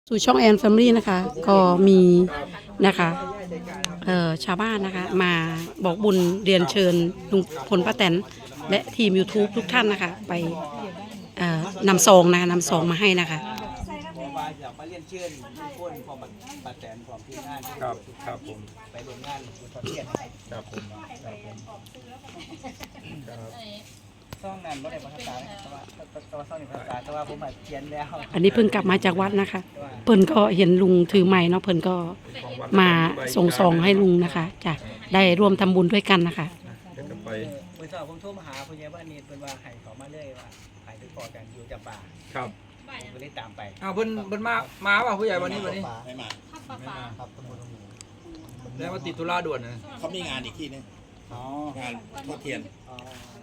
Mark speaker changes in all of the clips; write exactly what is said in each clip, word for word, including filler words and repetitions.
Speaker 1: สู่ช่องแอนแฟมิลี่นะคะก็มีนะคะเอ่อชาวบ้านนะคะมาบอกบุญเรียนเชิญลุงพลป้าแตนและทีม YouTube ทุกท่านนะคะไปเอ่อนำซองนะคะนำซองมาให้นะคะ
Speaker 2: เพราะว่าอยากมาเรียนเชิญทุกคนของป้าแตนของทีมงาน
Speaker 3: ครับครับผม
Speaker 2: ไปร่วมงานบุญทอดเทียน
Speaker 3: ครับผมครับผมครับ
Speaker 2: ซ่องนั้นไม่ได้ภาษาแต่ว่าแต่ว่าซ่องในภาษาแต่ว่าผมมาเขียนแล้ว
Speaker 1: อันนี้เพิ่งกลับมาจากวัดนะคะเพิ่นก็เห็นลุงถือไม้เนาะเพิ่นก็มาส่งซองให้ลุงนะคะจะได้ร่วมทำบุญด้วยกันนะคะ
Speaker 3: เดี๋ยวจะไป
Speaker 2: เมื่อเช้าผมโทรมาหาคุณยายบ้านนี้เป็นว่าให้เขามาเลยว่าให้ไปขอกันอยู่จำปา
Speaker 3: ครับ
Speaker 2: ผมก็เลยตามไป
Speaker 4: อ้าวเพิ่นเพิ่นมามาป่ะผู้ใหญ่วันนี้วันนี้
Speaker 5: ไม่มา
Speaker 2: ครับตำบลหนองหมู
Speaker 4: แล้วมาติดธุระด่วนนะ
Speaker 5: เขามีงานอีกที่นึง
Speaker 2: อ๋อง
Speaker 5: านทอดเทียน
Speaker 2: อ๋อ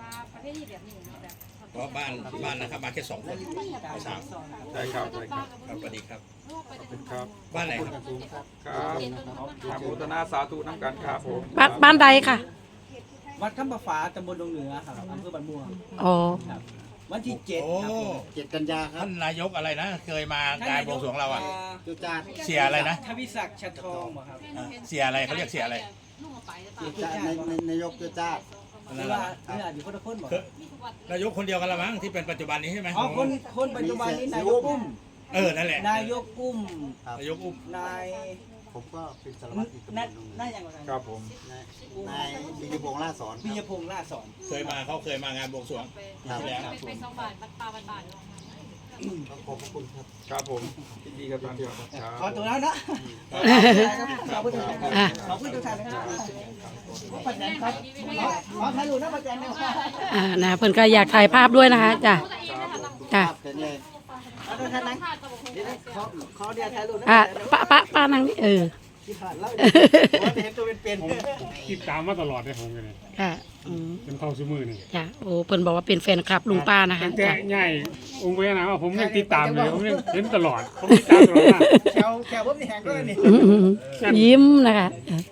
Speaker 5: เพราะบ้านบ้านนะครับมาแค่สองคนสาม
Speaker 3: ใช่ครับใช่ครับ
Speaker 5: ครับสวัสดีครับ
Speaker 3: ขอบคุณครับ
Speaker 5: บ้านไหนครับ
Speaker 3: ครับทำบุญนาสาธุน้ำกันครับผม
Speaker 1: บ้านบ้านใดค่ะ
Speaker 2: วัดคำประฟ้าตำบลดงเหนือครับอำเภอบ้านม่วง
Speaker 1: อ๋อ
Speaker 2: ครับวันที่เจ็ด
Speaker 5: โอ้
Speaker 2: ครับผม
Speaker 6: เจ็ดกันยาครับ
Speaker 5: ท่านนายกอะไรนะ เคยมางานบวงสรวงเราอ่ะ
Speaker 6: จุจาด
Speaker 5: เสียอะไรนะ
Speaker 2: ทวิศักดิ์ชัดทองบ่ครับ
Speaker 5: เสียอะไรเขาเรียกเสียอะไร
Speaker 6: จุจาดในในนายกจุจาด
Speaker 2: เวลาเวลาอยู่คนละคนบ่
Speaker 5: นายกคนเดียวกันละมั้งที่เป็นปัจจุบันนี้ใช่ไหม
Speaker 2: อ๋อคนคนปัจจุบันนี้นายกกุ้ม
Speaker 5: เออนั่นแหละ
Speaker 2: นายกกุ้ม
Speaker 5: นายกอุ้ม
Speaker 2: นาย
Speaker 6: ผมก็เป็นสารวัตรอีกตำบ
Speaker 2: นั่น
Speaker 6: ลหนึง
Speaker 2: นั่นยังไง
Speaker 3: ครับผม
Speaker 6: นายนายปิยพงษ์ล่าสอน
Speaker 2: ปิยพงษ์ล่าสอน
Speaker 5: เคยมาเขาเคยมางานบวงสรวงปีที่แล้ว
Speaker 7: ไปสองบาทบัตรปลาบัตรบาท
Speaker 6: ขอบพระคุณครับ
Speaker 3: ครับผมยินดีกับท่านครับครับ
Speaker 2: ขอตัวแล้วนะขอบคุณทุกท่านครับขอบคุณทุกท่านนะครับป้าแตนครับขอถ่ายรูปนะป้าแตนนะครับ
Speaker 1: อ่านะเพิ่นก็อยากถ่ายภาพด้วยนะคะจ้ะจ้ะ
Speaker 6: ภาพเป็นเลย
Speaker 2: เอาทุกท่านนะเดี๋ยวขอขอเดียวถ่ายรูปนะ
Speaker 1: อ่าป้าป้าป้านั่งนี่เออ
Speaker 2: ที่ผ่านแล้วว่าเห็นตัวเป็น
Speaker 8: ติดตามมาตลอดเลยผมกันเลย
Speaker 1: ค่ะอืม
Speaker 8: เป็นเท่าซื้อมือนี่
Speaker 1: จ้ะโอ้เพิ่นบอกว่าเป็นแฟนคลับลุงป้านะคะ
Speaker 8: ตั้งแต่
Speaker 1: จ้ะ
Speaker 8: ใหญ่องค์พญานาคว่าผมยังติดตามเลยผมยังเห็นตลอดผมติดตามตลอดนะ
Speaker 2: แถวแถวผมนี่แหงก็เลยนี่
Speaker 1: อืมอืมอืมยิ้มนะคะเออ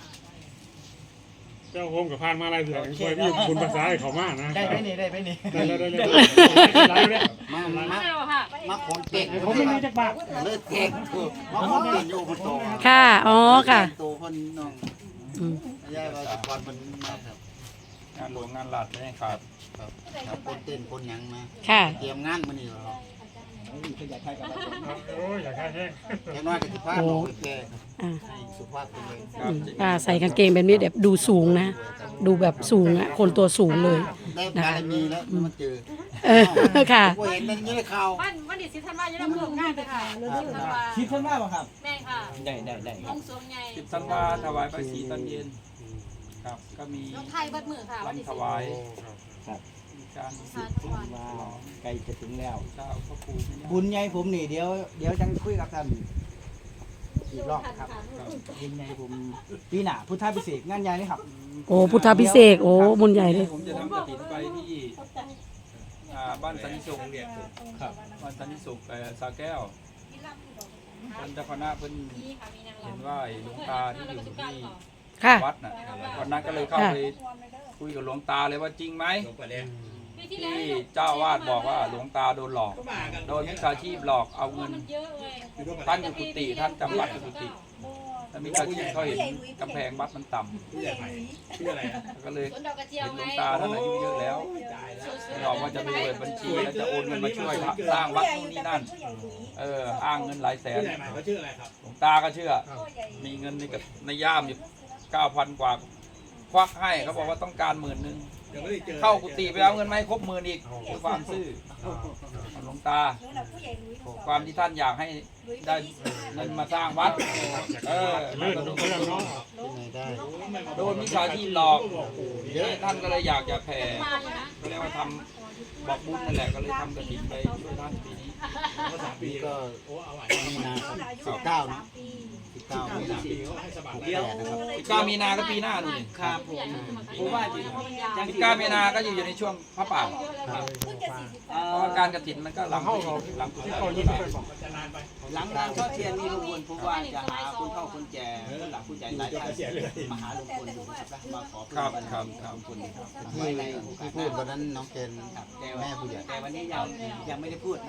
Speaker 8: เจ้าผมกับพานมาลายเสือยังช่วยพี่คุณภาษาให้เขามากนะ
Speaker 2: ได้ไหมนี่ได้ไหมนี่
Speaker 8: ได้แล้วได้แล้วได้แล้ว
Speaker 6: มามามา
Speaker 7: ไม่หรอกค่ะ
Speaker 6: มาคนเก่ง
Speaker 8: ผมไม่ได้จักบาท
Speaker 6: เลยเก่งมาคนเก่งอยู่คนโต
Speaker 1: ค่ะอ๋อค่ะ
Speaker 6: โตคนน้อง
Speaker 1: อืม
Speaker 6: ยายว่าสุพรรณมันมาครับ
Speaker 3: งานหลวงงานหลัดไม่ให้ขาด
Speaker 6: ครับครับคนเต้นคนหยังมา
Speaker 1: ค่ะ
Speaker 6: เตรียมงานมานี่ครับ
Speaker 2: ขยายไทยกับเรา
Speaker 8: โอ้ยอยากให้แห้ง
Speaker 6: แค่น้อยก็สิพาน้องแก
Speaker 1: อ่า
Speaker 6: ให้สุภาพเป็นเลย
Speaker 3: ครับ
Speaker 1: ป้าใส่กางเกงแบบนี้แบบดูสูงนะ ดูแบบสูงอ่ะคนตัวสูงเลย
Speaker 6: ได้บารมีแล้วมาเจอ
Speaker 1: เออค่ะ
Speaker 6: ผมเห็นมันนี่เลยข่าว
Speaker 7: วันวันที่สิบธันวาคมจะได้มาร่วมงานเลยค่ะสิบธันวา
Speaker 2: คิดขึ้นว่าป่ะครับ
Speaker 7: แม่ค่ะ
Speaker 2: ได้ได้ได้
Speaker 7: องค์ทรงใหญ่
Speaker 3: สิบธันวาถวายพระศรีตอนเย็นครับก็มี
Speaker 7: รถไทยบัดมือค่ะวันที่
Speaker 3: ลำถ
Speaker 7: สิบ
Speaker 3: วายมีการ
Speaker 7: สารทุกวัน
Speaker 2: ว้าวใกล้จะถึงแล้ว
Speaker 3: เจ้าพระครูไม่ยาก
Speaker 2: บุญใหญ่ผมนี่เดี๋ยวเดี๋ยวจังคุยกับท่านอีกรอบครับบุญใหญ่ผมปีหน้าพุทธพิเศษกงานใหญ่นี่ครับ
Speaker 1: โอ้พุทธพิเศษกโอ้บุญใหญ่เลย
Speaker 3: ผมจะทำกระถิ่นไปที่อ่าบ้านสันนิสุขครับบ้านสันนิสุขแต่สาแก้วเพิ่นเจ้าคณะเพิ่น
Speaker 7: นี่ค่ะมีนางรำ
Speaker 3: เห็นว่าไอ้หลวงตาที่อยู่ที่
Speaker 1: ค่ะ
Speaker 3: วัดน่ะวันนั้นก็เลยเข้าไปคุยกับหลวงตาเลยว่าจริงไหม
Speaker 5: ลงไปเลย
Speaker 7: ปีที่แล้ว
Speaker 3: ที่เจ้าวาดบอกว่าหลวงตาโดนหลอก โดนมิจฉาชีพหลอกเอาเงิน
Speaker 7: มันเยอะเลย
Speaker 3: ท่านอยู่กุฏิท่านจำวัดอยู่กุฏิแล้วมิจฉาชีพเขาเห็นกำแพงวัดมันต่
Speaker 5: ผู้ใหญ่ใหม่ชื่ออะไรนะ
Speaker 3: ำก็เลย
Speaker 7: สวนดอกกระเจียว
Speaker 3: เห็นหล
Speaker 7: ไง
Speaker 3: วงตาท่านอายุเยอะแล้วบอกว่าจะไปเปิดบัญชีแล้วจะโอนเงินมาช่วยสร้างวัดนู่นนี่นั่น เอออ้างเงินหลายแสน
Speaker 5: ผู้ใหญ่ใหม่เขาชื่ออะไรครับ
Speaker 3: หลวงตาก็เชื่อ มีเงินในกับในย่ามอยู่เก้าพันกว่าควักให้เขาบอกว่าต้องการหมื่นหนึ่ง
Speaker 5: เดี๋ยวไม่ได้เจอ
Speaker 3: เข้ากุฏิไปเอาเงินมาให้ครบหมื่นอีกคือความซื่อหลวงตา ความที่ท่านอยากให้ได้เงินมาสร้างวัด เออ
Speaker 8: เลื่อนเลื่อนเนาะ
Speaker 6: ที่ไหนได้
Speaker 3: โดนมิจฉาชีพหลอกท่านก็เลยอยากจะแผ่
Speaker 7: มาอยู่นะ
Speaker 3: ก็เรียกว่าทำบอกบุญนั่นแหละก็เลยทำกระถิ่นไปช่วยท่านปีนี้
Speaker 5: ภาษาปี
Speaker 6: นี่
Speaker 5: ก็
Speaker 6: ก็
Speaker 5: โอ้เอาไหว
Speaker 6: มีนาสิบเก้านะสิบเก้ามีนา
Speaker 5: ปีเขาให้สบาย
Speaker 6: เดียวนะครับ
Speaker 3: สิบเก้ามีนาก็ปีหน้านู่นนี่
Speaker 2: ครับผมผมว่าจริง
Speaker 3: สิบเก้ามีนาก็อยู่อยู่ในช่วงพระป่า
Speaker 2: เอ่
Speaker 3: เพราะ
Speaker 2: อ
Speaker 3: ว่าการกระถิ่นมันก็หลังหลัง
Speaker 8: ที่เขายิ่งเป็นบอก
Speaker 5: จะนานไป
Speaker 2: หลังงานทอดเทียนนี่ลุงพลผมว่าจะหาคุณเข้าคุณแจคนหลักผู้ใหญ่หลายท่านมาหาลุงพลดูนะครับมาขอ
Speaker 3: ครับครับครับ
Speaker 2: ลุงพลครับ
Speaker 6: ที่ที่พูดวันนั้นน้องเกณฑ์
Speaker 2: ครับแต่
Speaker 6: แม่ผู้ใหญ่
Speaker 2: แต่วันนี้ยังยังไม่ได้พูดนะครับนะ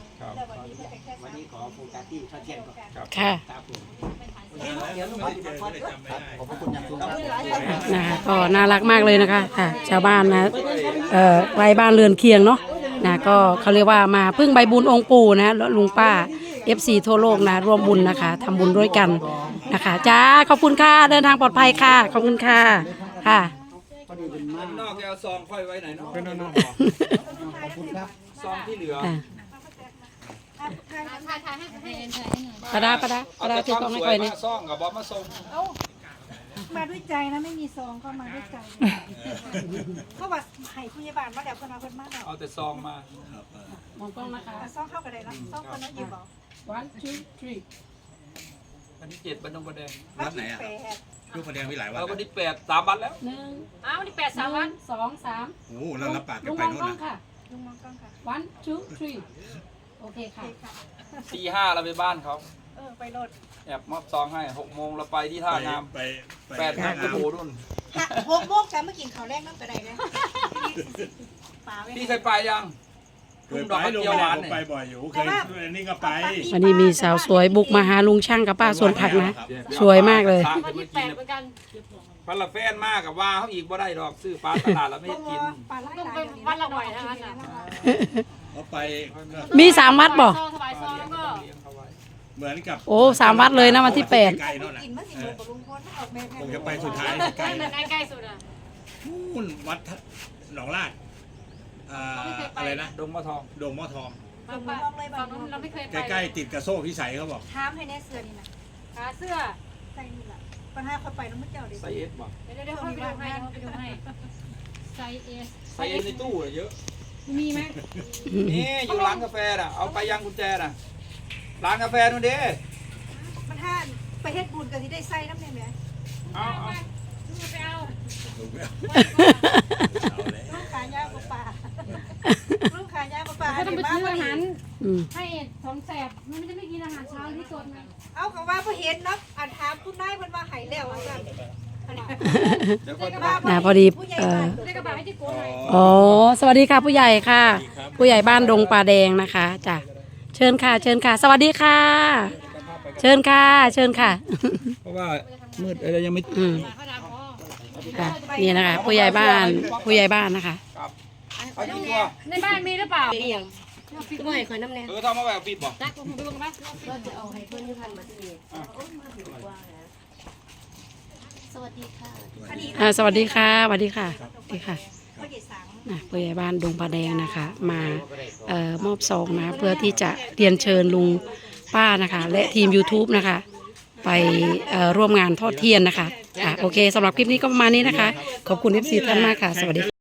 Speaker 3: ครับ
Speaker 2: วันนี้ขอโฟกัสที่ทอดเทียนก่อน
Speaker 1: ค่ะ
Speaker 2: ครับผม
Speaker 5: เดี๋ยวไม่ได้เจอก็เลยจำไม่ได้
Speaker 6: ขอบพระคุณอย่างสูงครับ
Speaker 1: นะคะก็น่ารักมากเลยนะคะค่ะชาวบ้านนะเอ่อไว้บ้านเรือนเคียงเนาะนะก็เขาเรียกว่ามาพึ่งใบบุญองค์ปู่นะแล้วลุงป้า เอฟ ซี ทั่วโลกนะร่วมบุญนะคะทำบุญด้วยกันนะคะจ้าขอบคุณค่ะเดินทางปลอดภัยค่ะขอบคุณค่ะค่ะ
Speaker 3: นอกแกเอาซองค่อยไว้ไหนเนาะ
Speaker 8: เป็นน้อง
Speaker 3: ซองที่เหลือ
Speaker 1: อ่ะ
Speaker 7: ถ่ายถ่ายให้ให้ถ่ายให้หน่อย
Speaker 1: ปะดาปะดา
Speaker 3: เอา
Speaker 1: ปะดา
Speaker 3: แต่
Speaker 1: ถือ
Speaker 3: ควาก ม
Speaker 1: ล้องให้
Speaker 3: สว
Speaker 1: ค่อย ย
Speaker 3: มา
Speaker 1: นี่
Speaker 3: ซ่องกับบอสมาส่ง
Speaker 9: มาด้วยใจนะไม่มีซองก็มาด้วยใจก็ว่าให้ผู้ใหญ่บ้านมาแล้วเพิ่นเอาเพิ่นมาแล้ว
Speaker 3: เอาแต่ซองมา
Speaker 1: มองกล้องนะคะ
Speaker 9: เอาซองเข้ากันได้แล้วซองคนนั้นอยู่บ่
Speaker 1: one two three
Speaker 3: วันที่เจ็ดบันดงประแดง
Speaker 5: วัดไหนอ่ะ
Speaker 9: แปด
Speaker 5: ลูกคนแดงมีหลายวัด
Speaker 3: เราวัน
Speaker 5: นะ
Speaker 3: ที่แปดสามวันแล้ว
Speaker 1: หนึ่ง
Speaker 7: อ้าวนี่แปดสามวัน
Speaker 1: สองสาม
Speaker 5: โอ้เรารับปากกั
Speaker 1: ลุ
Speaker 5: น
Speaker 1: ง
Speaker 5: ไป
Speaker 1: มอง
Speaker 5: โน่น
Speaker 1: กล้อง
Speaker 5: นะ
Speaker 1: ค่ะ
Speaker 9: ลุงมองกล้องค่ะ
Speaker 1: one two three โอเคค่ะ
Speaker 3: ตีห้าเราไปบ้านเขา
Speaker 9: เออไปโหลด
Speaker 3: แอบมอบซองให้หกโมงเราไปที่ท่าน้
Speaker 5: ไปไป
Speaker 3: ำแปดโมงกระโดดนู่น
Speaker 9: หกโมงจะมากินข้าวแรกน้ำกระไดเลยป่าไว้
Speaker 3: พี่เคยไปยัง
Speaker 5: เคยไปลุงแดงผมไปบ่อยอยู่เคยนี่ก็ไป
Speaker 1: วันนี้มีสาวสวยบุกมาหาลุงช่างกับป้าสวนผักนะ สวยมากเลย
Speaker 7: วันที่แปดเหมือนกัน
Speaker 3: พันละแฟนมากกับว่าเขาอีกบ่ได้ดอกซื้อปลาตลาดแล้วไม่ให้กิน
Speaker 9: ป่าไล่
Speaker 7: ต้อง
Speaker 9: หลา
Speaker 7: ไป
Speaker 9: ย
Speaker 7: วันละบ่อยนะคะน่ะ
Speaker 5: เขาไป
Speaker 1: มีสามวัดบ่
Speaker 7: ซองถวายซองแล้วก็
Speaker 5: เหมือนกับ
Speaker 1: โอ้สามวัดเลยนะวันที่แปด
Speaker 5: ไกลๆโน่นนะ
Speaker 9: กินมาสิโลกับลุงพลออกแม่
Speaker 5: คงจะไปสุดท้ายไกล
Speaker 7: นั่นใกล้ๆสุดอ่ะ
Speaker 5: นู่นวัดหนองลาดอ่าอะไรนะ
Speaker 3: ดงมะทอง
Speaker 5: โดมหม้อทอง
Speaker 7: ฝั่งนู้นเราไม่เคยไป
Speaker 5: ใกล้ๆติดกระโซ่พิสัยเขาบอก
Speaker 9: ถามให้แน่เสื้อนี่นะ
Speaker 7: ขาเสื้อ
Speaker 9: ใส่นี่ล่ะปัญหาเขาไปน้ำมันเจ้าดิ
Speaker 3: ไซเอสบ่
Speaker 7: เดี๋ยวเดี๋ยวเขาไปดูให้เขาไปดูให้ไซส์เอส
Speaker 3: ไซเอสในตู้อะเยอะ
Speaker 7: มีไหม
Speaker 3: นี่อยู่ร้านกาแฟน่ะเอาไปยังกุญแจน่ะร้านกาแฟนู่นเด้
Speaker 9: ปัญหาไปเฮ็ดบุญก็สิได้ใส่น้ำเนี่ยแหม
Speaker 3: เอาเอา
Speaker 7: ไปเอา
Speaker 5: ถูกไหมเอาเลย
Speaker 9: ลูกขายาวกว่าป่าลูกขายาวกว่าป่า
Speaker 7: เขาต้องไปซื้ออาหาร
Speaker 1: อืม
Speaker 7: ให้สองแสบมันจะไม่กินอาหารเช้าที่สดนะ
Speaker 9: เอาเขาว่าพอเห็นเนาะอันถามคุณนายเพิ่นว่าหายแล้วว่าซั่น
Speaker 3: เดี๋ยวก่อน
Speaker 1: นะพอดี
Speaker 9: ผู้ใหญ่
Speaker 1: เอ่อ
Speaker 9: บ้าน
Speaker 7: ได้กระบะให้จิโก้หน่อย
Speaker 1: อ๋อสวัสดีค่ะผู้ใหญ่ค่ะ ผู้ใหญ่บ้านดงป่าแดงนะคะจ้ะเชิญค่ะ เชิญค่ะ สวัสดีค่ะ เชิญค่ะ เชิญค่ะ
Speaker 3: เพราะว่ามืดอะไรยังไม่
Speaker 1: อืม
Speaker 7: เขาด่าพ่อ
Speaker 1: ค่ะนี่นะคะ ผู้ใหญ่บ้านผู้ใหญ่บ้านนะคะ
Speaker 3: ครับเอาอยู่ตัว
Speaker 7: ในบ้านมีหรือเปล่า
Speaker 9: บ่ให้ข่อยน้ำแน่
Speaker 3: เออทำมาแบบปิดบ่
Speaker 7: จักผมดูกันไหม
Speaker 9: ก็จะเอาให้เพิ่นอยู่ทันบัดนี้สวัสดีค่ะอันนี้
Speaker 1: อ่าสวัสดีค่ะสวัสดีค่ะสวัสดีค่ะ
Speaker 9: พ่อใหญ่สัง
Speaker 1: นะผู้ใหญ่บ้านดงป่าแดงนะคะ มาเอ่อมอบซองนะเพื่อที่จะเรียนเชิญลุงป้านะคะ และทีม YouTube นะคะ ไปเอ่อร่วมงานทอดเทียนนะคะอ่ะโอเคสำหรับคลิปนี้ก็ประมาณนี้นะคะ ขอบคุณ เอฟ ซี ท่านมากค่ะ สวัสดี